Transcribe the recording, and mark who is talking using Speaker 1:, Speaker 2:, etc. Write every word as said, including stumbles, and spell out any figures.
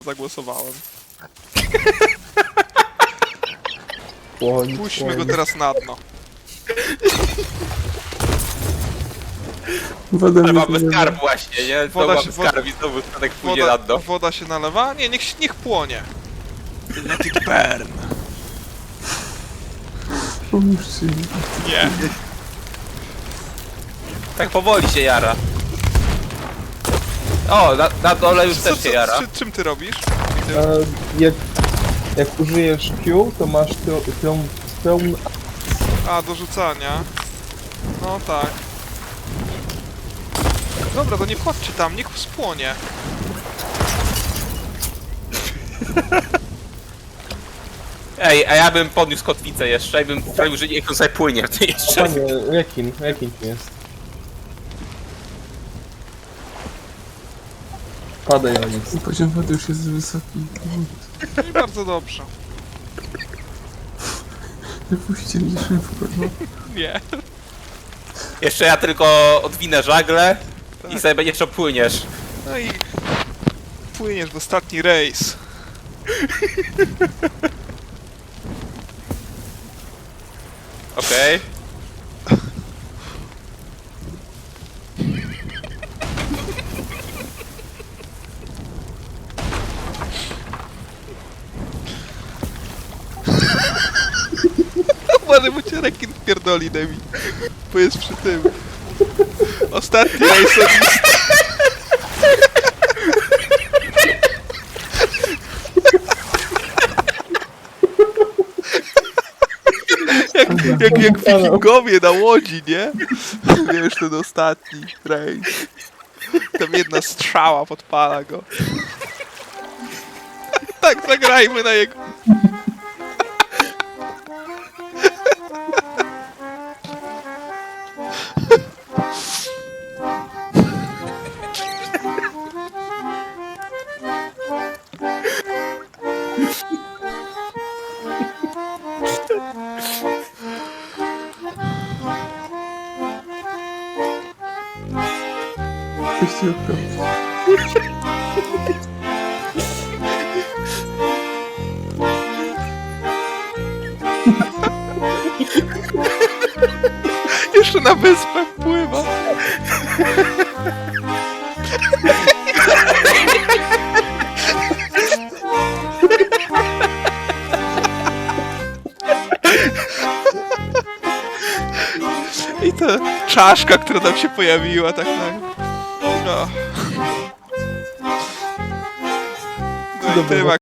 Speaker 1: Zagłosowałem.
Speaker 2: Płoń,
Speaker 1: Puśćmy
Speaker 2: płoń.
Speaker 1: go teraz na dno.
Speaker 2: Woda
Speaker 3: Ale
Speaker 2: mnie
Speaker 3: mamy
Speaker 2: zalewa.
Speaker 3: skarb właśnie, nie? Znowu
Speaker 1: Woda
Speaker 3: mamy
Speaker 1: się- woda-
Speaker 3: skarb i znowu statek pójdzie
Speaker 1: Woda,
Speaker 3: na dno.
Speaker 1: woda się nalewa? Nie, niech, niech płonie. Let it burn.
Speaker 2: Pomóżcie mi.
Speaker 1: Nie.
Speaker 3: Tak powoli się jara. O, na, na dole już
Speaker 1: Co,
Speaker 3: też się
Speaker 1: co,
Speaker 3: jara.
Speaker 1: czy, czym ty robisz?
Speaker 2: A jak, jak użyjesz Q, to masz tą pełną...
Speaker 1: A, do rzucania. No tak. Dobra, to nie chodźcie tam, niech spłonie.
Speaker 3: Ej, a ja bym podniósł kotwicę jeszcze i bym sprawił, że niech on sobie płynie w tej jeszcze.
Speaker 2: Panie, rekin, rekin tu jest. Padaj na nic.
Speaker 4: Poziom wody już jest wysoki.
Speaker 1: I bardzo dobrze.
Speaker 4: Wypuśćcie mnie szybko, no.
Speaker 1: Nie.
Speaker 3: Jeszcze ja tylko odwinę żagle i sobie będziesz jeszcze płyniesz.
Speaker 1: No i płyniesz w ostatni rejs.
Speaker 3: Okej.
Speaker 1: Może mu cię rekin pierdoli, Demi. Bo jest przy tym. Ostatni rejs od listy. Jak, jak, jak wikingowie na łodzi, nie? Wiesz, ten ostatni rejs. Tam jedna strzała podpala go. Tak, zagrajmy na jego...
Speaker 4: Coś ci odprawić.
Speaker 1: Jeszcze na wyspę pływa. I ta czaszka, która tam się pojawiła, tak na... No. No i
Speaker 2: Dobra.
Speaker 1: tyle.